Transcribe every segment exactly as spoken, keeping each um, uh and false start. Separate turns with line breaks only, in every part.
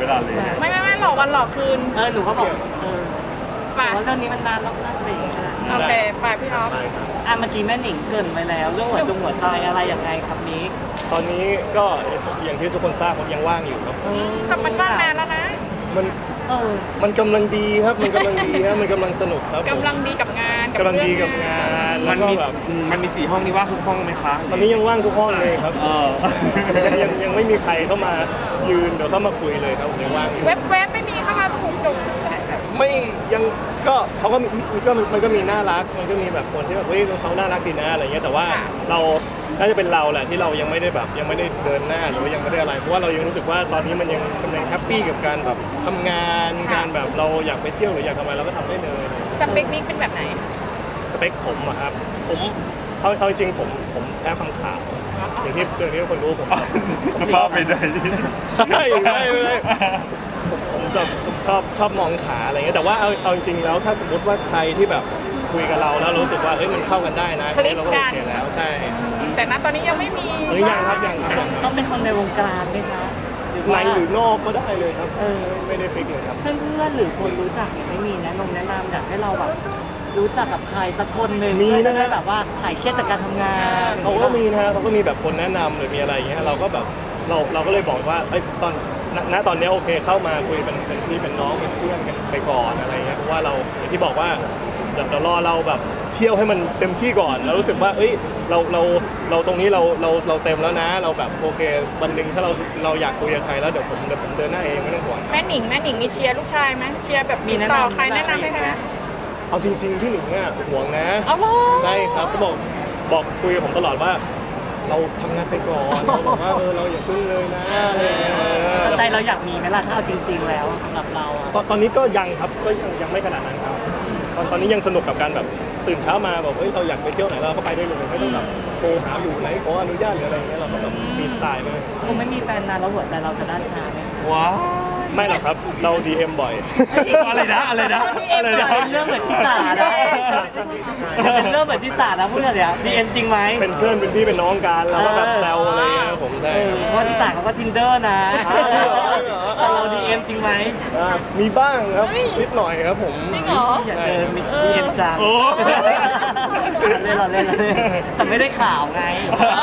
ลาเลย
ไม่ไม่ไม่หลอกวันหลอกคืน
เออหนูก็บอกเออ
ไป
ว่าเรื่องนี้มันนานแล้วนะอะไรอย่างเงี้ย
โอเคไปพี่น้อง
อ่ะเมื่อกี้แม่หนิงเกรินไปแล้วเรื่องหัวจงหัวใจอะไรอย่างไรครับนี้
ตอนนี้ก็อย่างที่ทุกคนทราบผมยังว่างอยู่ครับ
แต่มันว่างนานแล้วนะ
มัน
เออ
มันกำลังดีครับมันกำลังดีครับมันกำลังสนุกครับ
กำลังดีกับงาน
กำลังดีกับงานแล้
มั
วน ก็
มี
แบบ
มันมีสี่ห้องนี่ว่างทุกห้องไหมคะ
ตอนนี้ยังว่างทุกห้องเลยครับ
เออ
ยังยังยังไม่มีใครเข้ามายืนเดี๋ยวเข้ามาคุยเลยครับผมยังว่างอยู่
เว็บเว็บไม่มีเข้ามาถูกจุกใจแบบ
ไม่ยังก็เขาก็มีก็มันก็มีน่ารักมันก็มีแบบคนที่แบบเฮ้ยเขาน่ารักดีนะอะไรเงี้ยแต่ว่าเราน่าจะเป็นเราแหละที่เรายังไม่ได้แบบยังไม่ได้เดินหน้าหรือว่ายังไม่ได้อะไรเพราะว่าเรายังรู้สึกว่าตอนนี้มันยังกำลังแฮปปี้กับการแบบทำงานการแบบเราอยากไปเที่ยวหรืออยากทำอะไรเราก็ทำได้เลย
สเปคมิกเป็นแบบไหน
สเปคผมอะครับผมเอาเอาจริงๆผมผมแพ้ฟังข่าวอย่างที่อย่างที่ทุกคนรู้ผม
ชอบไปไหน
ใช่ไม่ไม่ผมผมจะชอบชอบมองขาอะไรเงี้ยแต่ว่าเอาเอาจริงๆแล้วถ้าสมมติว่าใครที่แบบคุยกับเราแล้วรู้สึกว่าเอ้ยมันเข้ากันได้นะเราก็โอเคแล้วใช่
แต่ณตอนนี้ยังไม่มี
หรือยังครับยังครับ
ต้องเป็นคนในวงการไหมคะหรือ
ใน
ว่า
หรือนอกก็ได้เลยครับ
เออ
ไม่ได้ฟิกเลยครับ
เพื่อนๆหรือคนรู้จักไม่มีแนะนำแนะนำอยากให้เราแบบรู้จักกับใครสักคนหนึ่ง
มีนะ
เพื่อจได้แบบว่าหายเครียดจากการทำงาน
เขาก็มีนะฮะเขาก็มีแบบคนแนะนำหรือมีอะไรอย่างเงี้ยเราก็แบบเราเราก็เลยบอกว่าเอ้ยตอนณณตอนนี้โอเคเข้ามาคุยเป็นเป็นพี่เป็นน้องเป็นเพื่อนกันไปก่อนอะไรเงี้ยเพราะว่าเราอย่างที่บอกว่าเดี๋ยวเดี๋ยวรอเราแบบเที่ยวให้มันเต็มที่ก่อนเรารู้สึกว่าเอ้ยเราเราเราตรงนี้เราเราเราเต็มแล้วนะ เราแบบโอเควันหนึ่งถ้าเราเราอยากคุยกับใครแล้วเดี๋ยวผมเดี๋ยวผมเดินหน้าเองไม่ต้องห่วงครับ
แม่หนิงแม่หนิงมีเชียร์ลูกชายไหมเชียร์แบบ
มีแนะ
ต่อน
ำ
ใครแนะนำให้ใครไหม
เอาจริงๆพี่หนิงอ่ะห่วงนะ
เอาล่ะ
ใช่ครับก็บอกบอกคุยกับผมตลอดว่า เราทำงานไปก่อนเราบอกว่าเออเราอย่าพึ่งเลยนะอะไรอย่างเงี้ยเออ
ใจเราอยากมีไหมล่ะถ้าเอาจริง ๆ แล้วสำหรับเราอะ
ตอนตอนนี้ก็ยังครับก็ยังยังไม่ขนาดนั้นครับตอนตอนนี้ยังสนุกกับการแบบตื่นเช้ามาแบบเฮ้ยเราอยากไปเที่ยวไหนเราก็ไปได้เลยไม่ต้องแบบโทรหาอยู่ไหนขออนุญาตหรืออะไรอย่างเงี้ยเราก็แบบฟรีสไตล์เลย
คงไม่มีแฟนนานแล้วหัวใจเราจะด้านชาไหมคะ
ว้าว
ไม่หรอกครับเรา ดี เอ็ม บ่อย
อะไรนะอะไรนะอะไรนะ
เป็นเรื่องเหมือนที่สานะเป็นเรื่องเหมือนที่สานะพูดเลยเนี่ยดีเอ็มจริงไหม
เป็นเพื่อนเป็นพี่เป็นน้องกันเราก็แบบแซวอะไรเงี้ยผมใช่
เออเพราะที่สาเขาก็ทินเดอร์นะแต่เราดีเอ็มจริงไหม
อ่ามีบ้างครับนิดหน่อยครับผม
จริงเหรอ
อยากเจอดีเอ็มจัง
โอ้
เล่นเราเล่นเราเล่นแต่ไม่ได้ข่าวไง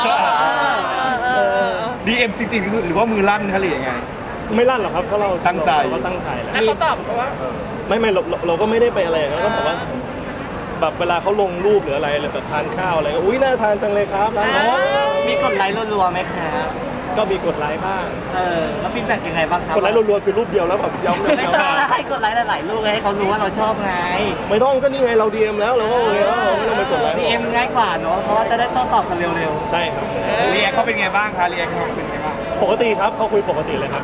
ดีเอ็มจริงๆหรือว่ามือลั่นคะหรือยังไง
ไม่ลั่นหรอกครับถ้าเรา
ตั้งใจ
เราก็ตั้งใจแหละ
แล้วเขาตอบว่า
ไม่ไม่เราเราเราก็ไม่ได้ไปอะไรอย่างนั้นก็บอกว่าแบบเวลาเขาลงรูปหรืออะไรแบบทานข้าวอะไรก็อุ้ยน่าทานจังเลยครับร้านนี้
มีกดไลค์รัวๆไหมครับ
ก็มีกดไลค์บ้าง
เออแล้วฟีดแบ็กยังไงบ้างครับ
กดไลค์รัวๆคือรูปเดียวแล้วแบบย้ำเลย
ไม่ใช่ให้กดไลค์หลายๆรูปให้เขารู้ว่าเราชอบไง
ไม่ต้องก็นี่ไงเรา ดี เอ็ม แล้วเราก็โอเคแล้วเราไม่ต้องไปกดไลค์หร
ดี
อก
เอ็มง่ายกว่าเนาะเพราะว่าจะได้โต้ตอบกันเร็ว
ใช่ครับ
เรียกเขาเป็นไงบ้างคะเรียกเขาเป็นไงบ้าง
ปกติครับเขาคุยปกติเลยครับ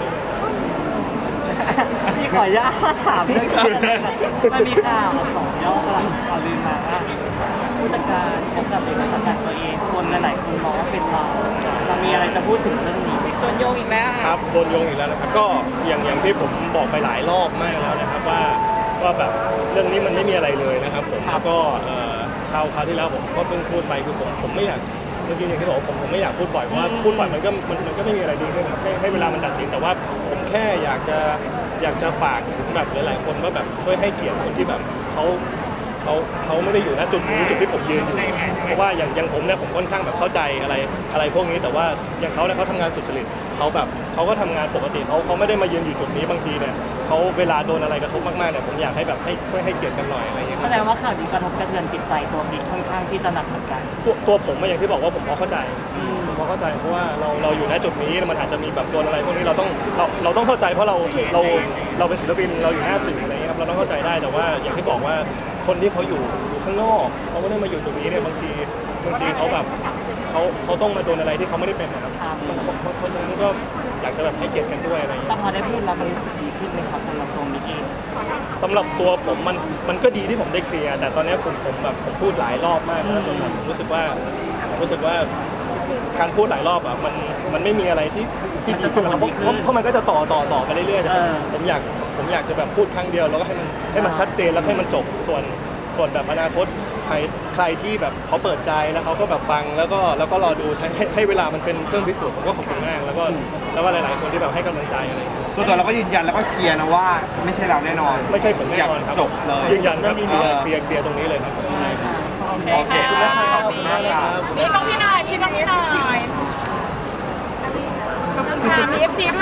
ๆพี่ขออนุญาตถามเรื่องนี้เลยค่ะมันมีข่าวสองย่อกำลังข่าวลือมาว่าผู้จัดการคบกับเด็กสังกัดตัวเองคนหลายๆคนมองว่าเป็นเราเรามีอะไรจะพูดถึงเรื่องนี้ไหม
โดนโยงอีกแล้ว
ครับโดนโยงอีกแล้วนะครับก็อย่างอย่างที่ผมบอกไปหลายรอบมากแล้วนะครับว่าว่าแบบเรื่องนี้มันไม่มีอะไรเลยนะครับผมแล้วก็เอ่อคราวคราวที่แล้วผมก็เพิ่งพูดไปคือผมผมไม่อยากเมื่อกี้อย่างที่บอกผมผมไม่อยากพูดบ่อยเพราะว่าพูดบ่อยมันก็มันมันก็ไม่มีอะไรดีขึ้นให้ให้เวลามันตัดสินแต่ว่าผมแค่อยากจะอยากจะฝากถึงแบบหลายๆคนว่าแบบช่วยให้เกียรติคนที่แบบเขาเขาเขาไม่ได้อยู่ณจุดนี้จุดที่ผมยืนอยู่เพราะว่าอย่างอย่างผมเนี่ยผมค่อนข้างแบบเข้าใจอะไรอะไรพวกนี้แต่ว่าอย่างเขาเนี่ยเขาทำงานสุจริตเขาแบบเขาก็ทำงานปกติเขาเขาไม่ได้มายืนอยู่จุดนี้บางทีเนี่ยเขาเวลาโดนอะไรกระทบมากๆเนี่ยผมอยากให้แบบให้ช่วยให้เกียรติกันหน่อยอะไรอย่างเงี้ยค
แส
รับ
ดงว่าข่าวนี้กระทบกระเทือนจิตใจตัวบิ๊กค่อนข้างที่จะหนักเหมือนกัน
ตัวตัวผมอะอย่างที่บอกว่าผมพอเข้าใจผมพอเข้าใจเพราะว่าเราเราอยู่ณจุดนี้มันอาจจะมีแบบโดนอะไรพวกนี้เราต้องเราเราต้องเข้าใจเพราะเราเราเราเป็นศิลปินเราอยู่หน้าสื่ออะไรเงี้ยครับเราต้องเข้าใจได้แต่ว่าอย่างที่บอกว่าคนที่เขาอยู่อยู่ข้างนอกเขาไม่ได้มาอยู่จุดนี้เนี่ยบางทีบางทีเขาแบบเขาเขาต้องมาโดนอะไรที่เขาไม่ได้เป็นนะครับ
ครับ
เพราะเพราะฉะนั้นก็อยากจะแบบให้เกียรติกันด้วยอะไรอย่าง
แต่
เงี้ย
พอได้พูดแล้วมันรู้สึกดีขึ้นไหมครับสำหรับตัวบิ๊กเอง
สำหรับตัวผมมันมันก็ดีที่ผมได้เคลียร์แต่ตอนนี้ผมผมแบบผมพูดหลายรอบมากแล้วจนแบบผมรู้สึกว่ารู้สึกว่าการพูดหลายรอบอ่ะมันมันไม่มีอะไรที่ที่ดีขึ้นหรอกเพราะเพราะเพราะมันก็จะต่อต่อต่อไปเรื่อยๆแต่ผมอยากผมอยากจะแบบพูดครั้งเดียวแล้วก็ให้มันให้มันชัดเจนแล้วให้มันจบส่วนส่วนแบบอนาคตใครรใครที่แบบเขาเปิดใจแล้วเขาก็แบบฟังแล้วก็แล้วก็รอดูใช้ให้ให้เวลามันเป็นเครื่องพิสูจน์ผมก็ขอบคุณมากแล้วก็แล้วก็หลายๆคนที่แบบให้กำลังใจอะไรอย่างเงี้ย
ส่วนตัวเราก็ยืนยันแล้วก็เคลียร์นะว่าไม่ใช่เราแน่นอน
ไม่ใช่ผมแน่นอนครับ
จบเลย
ยืนยันครับเคลียร์เคลียร์เคลียร์ตรงนี้เลยครับ
โอเคค่ะ
ขอบคุณมากครับ
มีต้องพี่หน่อยพี่ต้องพี่หน่อยขอบคุณค่ะมีเอฟซีด้วย